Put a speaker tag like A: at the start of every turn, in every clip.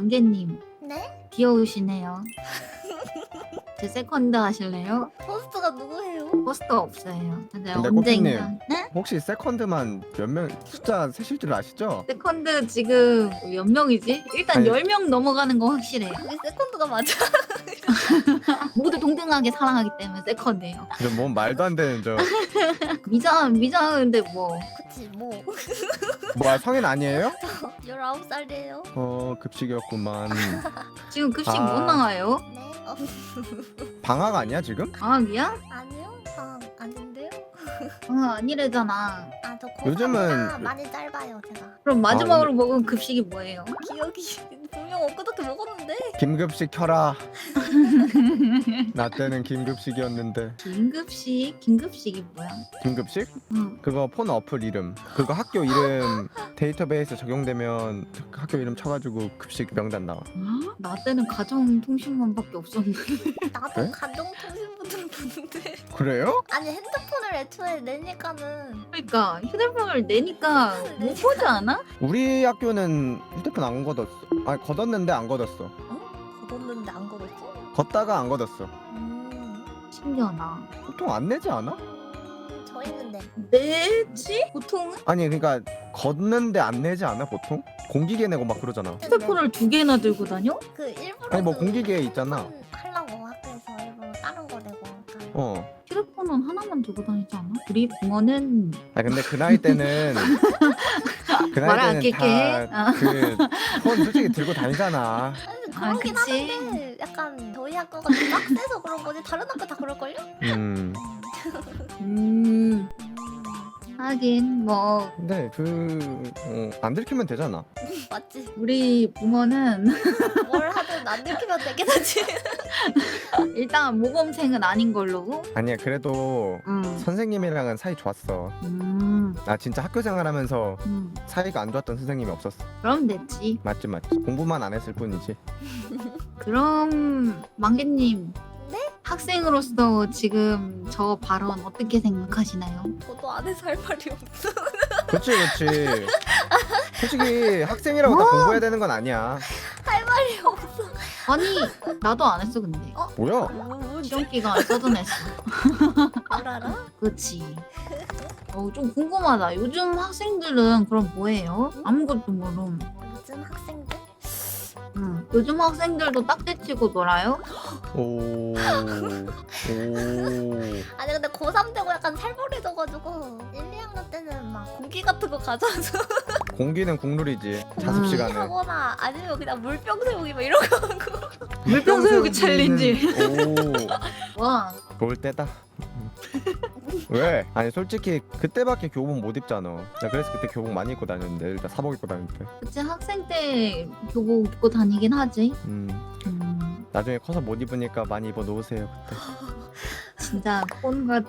A: 망개님
B: 네?
A: 귀여우시네요. 제 세컨드 하실래요?
B: 포스트가 누구예요?
A: 포스터 없어요. 근데
C: 근데
A: 언젠가. 네?
C: 혹시 세컨드만 몇 명 숫자 세실 줄 아시죠?
A: 세컨드 지금 몇 명이지? 일단
C: 아니.
A: 10명 넘어가는 거 확실해요.
B: 그게 세컨드가 맞아.
A: 모두 동등하게 사랑하기 때문에 세컨드예요.
C: 뭔 말도 안 되는 저
A: 미장인데 뭐
B: 그치 뭐
C: 뭐야 성인 아니에요?
B: 19살이에요.
C: 급식이었구만.
A: 지금 급식
C: 아.
A: 못 나가요?
B: 네?
C: 방학 아니야 지금?
A: 방학이야?
B: 아니요? 아닌데요?
A: 방학 아니래잖아.
B: 아저
C: 요즘은-
B: 많이 짧아요 제가.
A: 그럼 마지막으로 먹은 급식이 뭐예요?
B: 기억이 분명 엊그저께 먹었는데.
C: 김급식 켜라. 나 때는 김급식이었는데.
A: 긴급식? 긴급식이 뭐야?
C: 김급식?
A: 응.
C: 그거 폰 어플 이름. 그거 학교 이름 데이터베이스 적용되면 학교 이름 쳐가지고 급식 명단 나와.
A: 나 때는 가정통신만밖에 없었는데.
B: 나도
C: 네?
B: 가정통신부는 보는데.
C: 그래요?
B: 아니 핸드폰을 애초에 내니까는.
A: 그러니까 휴대폰을 내니까 못 보지 않아?
C: 우리 학교는 휴대폰 안 걷었어. 아니 걷었는데 안 걷었어.
B: 걷었는데 안 걷었어?
C: 걷다가 안 걷었어.
A: 신기하다.
C: 보통 안 내지 않아?
B: 저희는 네.
A: 내지? 보통은?
C: 아니 그러니까 걷는데 안 내지 않아 보통? 공기계 내고 막 그러잖아.
A: 휴대폰을 2개나 들고 다녀?
B: 그 일부러
C: 아니 뭐
B: 그
C: 공기계 있잖아.
B: 하려고 학교에서 일부러 다른 거 내고 약간.
A: 휴대폰은 하나만 들고 다니지 않아? 우리 붕어는
C: 아 근데 그 나이 때는 그
A: 말을
C: 나이
A: 안
C: 때는
A: 낄게.
C: 다그폰 솔직히 들고 다니잖아.
B: 아니, 그러긴
A: 그치.
B: 하는데 약간 저희 학교가 좀 빡세서 그런 거지 다른 학교 다 그럴걸요?
C: 음.
A: 하긴 뭐
C: 근데 안 들키면 되잖아.
B: 맞지?
A: 우리 붕어는
B: 뭘 하든 안 들키면 되긴 하지.
A: 일단 모범생은 아닌 걸로.
C: 아니야 그래도
A: 음.
C: 선생님이랑은 사이 좋았어. 나 진짜 학교 생활하면서 사이가 안 좋았던 선생님이 없었어.
A: 그럼 됐지.
C: 맞지. 공부만 안 했을 뿐이지.
A: 그럼 망개님 학생으로서 지금 저 발언 어떻게 생각하시나요?
B: 저도 안에서 할 말이 없어.
C: 그렇지. 솔직히 학생이라고 다 공부해야 되는 건 아니야.
B: 할 말이 없어.
A: 아니 나도 안 했어 근데.
C: 뭐야?
B: 뭔지
A: 시험 기간 써둔했어.
B: 뭘 알아?
A: 그치. 좀 궁금하다. 요즘 학생들은 그럼 뭐해요? 아무것도 모름.
B: 요즘 학생들?
A: 요즘 학생들도 딱지치고 놀아요?
C: 오.
B: 아니 근데 고3 되고 약간 살벌해져가지고 1, 2학년 때는 막 공기 같은 거 가져와서
C: 공기는 국룰이지. 자습 시간에.
B: 하거나 아니면 그냥 물병 세우기 막 이런 거 하고.
A: 물병 세우기 챌린지.
C: 오.
A: 와.
C: 좋을 때다. 왜? 아니 솔직히 그때밖에 교복 못 입잖아. 나 그래서 그때 교복 많이 입고 다녔는데 일단 사복 입고 다닐 때.
A: 그치 학생 때 교복 입고 다니긴 하지.
C: 나중에 커서 못 입으니까 많이 입어 놓으세요 그때.
A: 진짜 꼰 같아.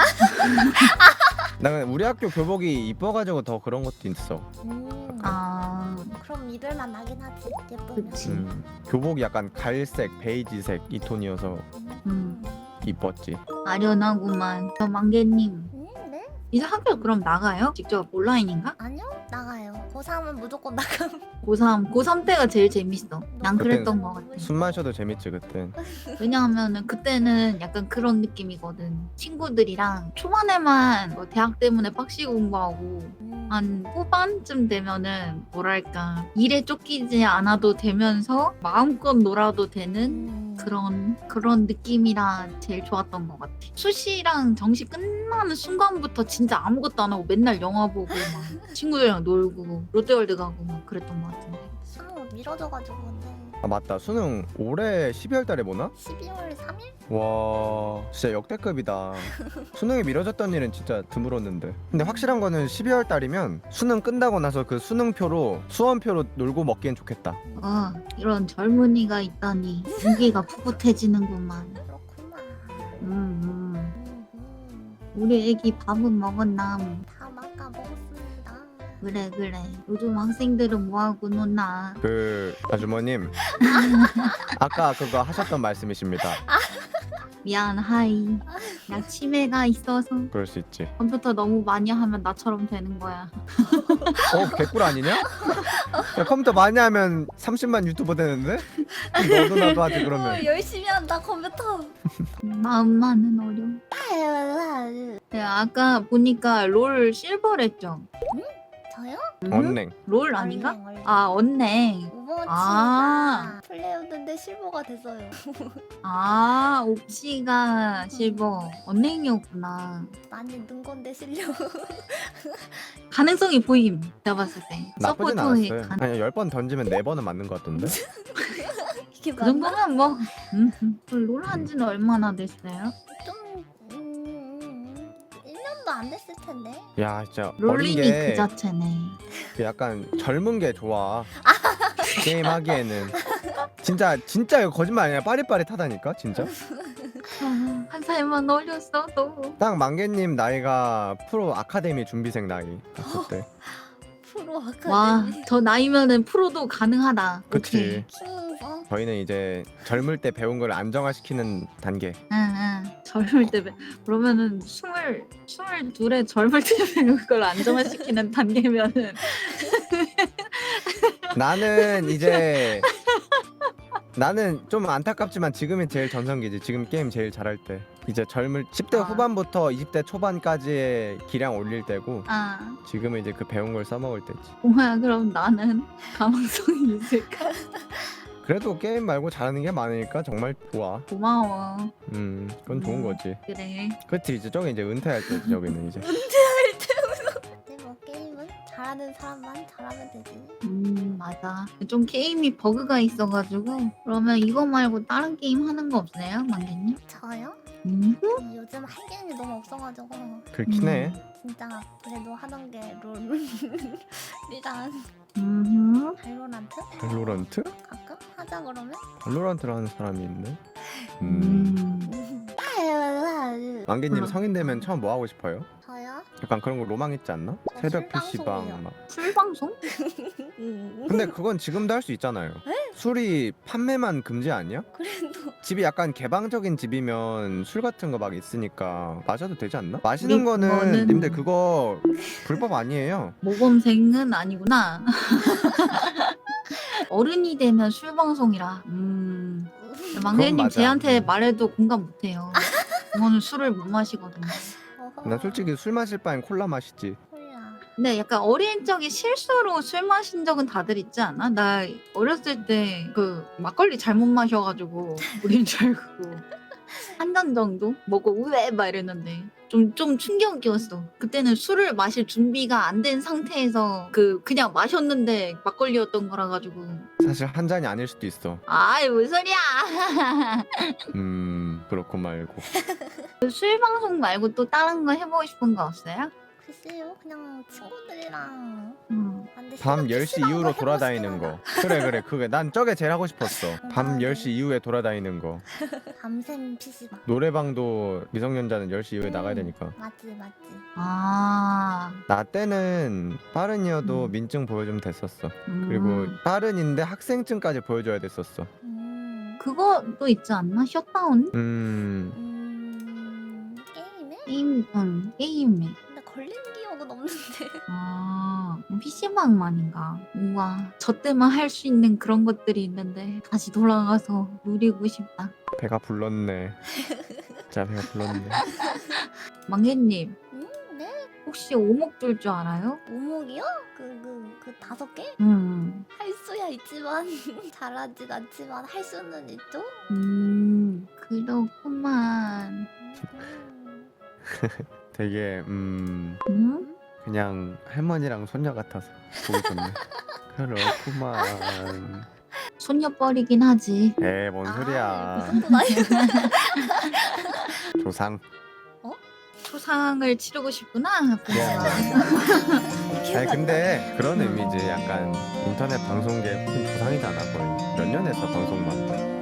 C: 나 근데 우리 학교 교복이 이뻐가지고 더 그런 것도 있어.
A: 아,
B: 그럼 입을만 하긴 하지 예쁘면.
A: 그치.
C: 교복이 약간 갈색, 베이지색 이 톤이어서
A: 음,
C: 이뻤지.
A: 아련하구만. 저 망개님
B: 네?
A: 이제 학교 그럼 나가요? 직접 온라인인가?
B: 아니요 나가요. 고3은 무조건 나감.
A: 고3 때가 제일 재밌어. 난 그랬던
C: 그땐
A: 것 같아.
C: 숨 마셔도 재밌지 그땐.
A: 왜냐하면은 그때는 약간 그런 느낌이거든. 친구들이랑 초반에만 뭐 대학 때문에 빡시게 공부하고 한 후반쯤 되면은 뭐랄까 일에 쫓기지 않아도 되면서 마음껏 놀아도 되는 그런 느낌이라 제일 좋았던 것 같아. 수시랑 정시 끝나는 순간부터 진짜 아무것도 안 하고 맨날 영화 보고 막 친구들이랑 놀고 롯데월드 가고 막 그랬던 것 같은데.
B: 수능 미뤄져가지고 근데
C: 아 맞다 수능 올해 12월 달에 보나?
B: 12월 3일?
C: 와 진짜 역대급이다. 수능이 미뤄졌던 일은 진짜 드물었는데. 근데 확실한 거는 12월 달이면 수능 끝나고 나서 그 수능표로 수험표로 놀고 먹기엔 좋겠다.
A: 이런 젊은이가 있다니 무기가 풋풋해지는구만.
B: 그렇구나.
A: 우리 애기 밥은 먹었나?
B: 다 막아 먹었습니다.
A: 그래. 요즘 학생들은 뭐하고 노나?
C: 그 아주머님 아까 그거 하셨던 말씀이십니다.
A: 미안 하이. 나 치매가 있어서
C: 그럴 수 있지.
A: 컴퓨터 너무 많이 하면 나처럼 되는 거야.
C: 개꿀 아니냐? 야, 컴퓨터 많이 하면 30만 유튜버 되는데? 너도 나도 하지 그러면.
B: 열심히 한다 컴퓨터.
A: 마음만은 어려워. 네, 아까 보니까 롤 실버랬죠?
B: 저요?
C: 언냉.
A: 롤 아닌가?
B: 얼랭.
A: 아 언냉.
B: 오버워치가
A: 아.
B: 플레이였는데 실버가 됐어요.
A: 아 옥시가 실버 언냉이었구나.
B: 많이 는 건데 실력.
A: 가능성이 보임. 제가 봤을 때.
C: 나쁘진
A: 서포터의
C: 않았어요.
A: 가능.
C: 아니 10번 던지면 4번은 맞는 것 같던데?
B: 이게
A: 그
B: 맞나?
A: 정도면 뭐. 롤 한지는 얼마나 됐어요?
B: 좀 1년도 안 됐을 텐데.
C: 야 진짜 어린
A: 롤링이 그
C: 게
A: 자체네.
C: 약간 젊은 게 좋아. 게임 하기에는 진짜 이거 거짓말 아니야. 빠릿빠릿하다니까 진짜.
A: 한 살만 어렸어도.
C: 딱 만개님 나이가 프로 아카데미 준비생 나이 봤을 때.
B: 프로 아카데미.
A: 와, 저 나이면은 프로도 가능하다.
C: 그치.
B: 키우는
C: 저희는 이제 젊을 때 배운 걸 안정화시키는 단계.
A: 응. 젊을 때 그러면은 22에 젊을 때 그걸 안정화시키는 단계면은
C: 나는 좀 안타깝지만 지금이 제일 전성기지. 지금 게임 제일 잘할 때. 이제 젊을 10대
A: 아.
C: 후반부터 20대 초반까지의 기량 올릴 때고
A: 아,
C: 지금은 이제 그 배운 걸 써먹을 때지.
A: 뭐야 그럼 나는 가망성이 있을까?
C: 그래도 게임 말고 잘하는 게 많으니까 정말 좋아.
A: 고마워.
C: 그건 좋은 거지.
A: 그래.
C: 그치 이제 저기 이제 은퇴할 때지 저기는 이제.
B: 근데 뭐 게임은 잘하는 사람만 잘하면 되지.
A: 맞아. 좀 게임이 버그가 있어가지고 그러면 이거 말고 다른 게임 하는 거 없어요, 만개님?
B: 저요? 요즘 할 게임이 너무 없어가지고
C: 그렇긴 해.
B: 진짜 그래도 하던 게 롤이랑 발로란트?
C: 발로란트?
B: 가끔 하자 그러면?
C: 발로란트를 하는 사람이 있네. 만개님 성인 되면 처음 뭐 하고 싶어요?
B: 저요?
C: 약간 그런 거 로망 있지 않나?
B: 저
C: 새벽
B: 술방송이요.
C: PC방 막.
A: 술방송?
C: 근데 그건 지금도 할 수 있잖아요. 술이 판매만 금지 아니야?
B: 그래도
C: 집이 약간 개방적인 집이면 술 같은 거 막 있으니까 마셔도 되지 않나? 마시는 거는
A: 그거는-
C: 님들 그거 불법 아니에요.
A: 모범생은 아니구나. 어른이 되면 술방송이라. 만개님
C: 맞아.
A: 쟤한테 말해도 공감 못해요. 저는 술을 못 마시거든요.
C: 난 솔직히 술 마실 바엔 콜라 마시지.
B: 콜라.
A: 근데 약간 어린 적에 실수로 술 마신 적은 다들 있지 않아? 나 어렸을 때 그 막걸리 잘못 마셔가지고 우린 줄 알고 한 잔 정도 먹고 우에 막 이랬는데 좀 충격이었어. 그때는 술을 마실 준비가 안 된 상태에서 그냥 마셨는데 막걸리였던 거라 가지고
C: 사실 한 잔이 아닐 수도 있어.
A: 아이 무슨 소리야.
C: 그렇고 말고.
A: 술 방송 말고 또 다른 거 해보고 싶은 거 없어요?
B: 글쎄요 그냥 친구들이랑 근데
C: 밤
B: 새벽
C: 10시
B: PC방
C: 이후로
B: 해보고
C: 돌아다니는
B: 싶긴
C: 거. 그래 그게 난 저게 제일 하고 싶었어. 밤
B: 맞아.
C: 10시 이후에 돌아다니는 거.
B: 하다. 밤샘 PC방.
C: 노래방도 미성년자는 10시 이후에 나가야 되니까.
B: 맞지.
A: 아
C: 나 때는 빠른이어도 민증 보여주면 됐었어. 그리고 빠른인데 학생증까지 보여줘야 됐었어.
A: 그거도 있지 않나? 셧다운?
B: 게임에?
A: 게임에.
B: 근데 걸린 기억은 없는데.
A: 아, PC방만인가? 우와, 저 때만 할 수 있는 그런 것들이 있는데 다시 돌아가서 누리고 싶다.
C: 배가 불렀네. 진짜 배가 불렀네.
A: 망개님,
B: 네?
A: 혹시 오목 줄 줄 알아요?
B: 오목이요? 그 5개? 할 수야 있지만 잘하진 않지만 할 수는 있죠?
A: 그렇구만.
C: 되게 그냥 할머니랑 손녀 같아서 보기 좋네. 그렇구만.
A: 손녀뻘이긴 하지.
C: 뭔 소리야.
B: 그 정도 나이.
C: 조상.
A: 초상을 치르고 싶구나.
C: 아니 근데 그런 의미지. 약간 인터넷 방송계 큰 조상이잖아 거의. 몇 년 했어 방송만.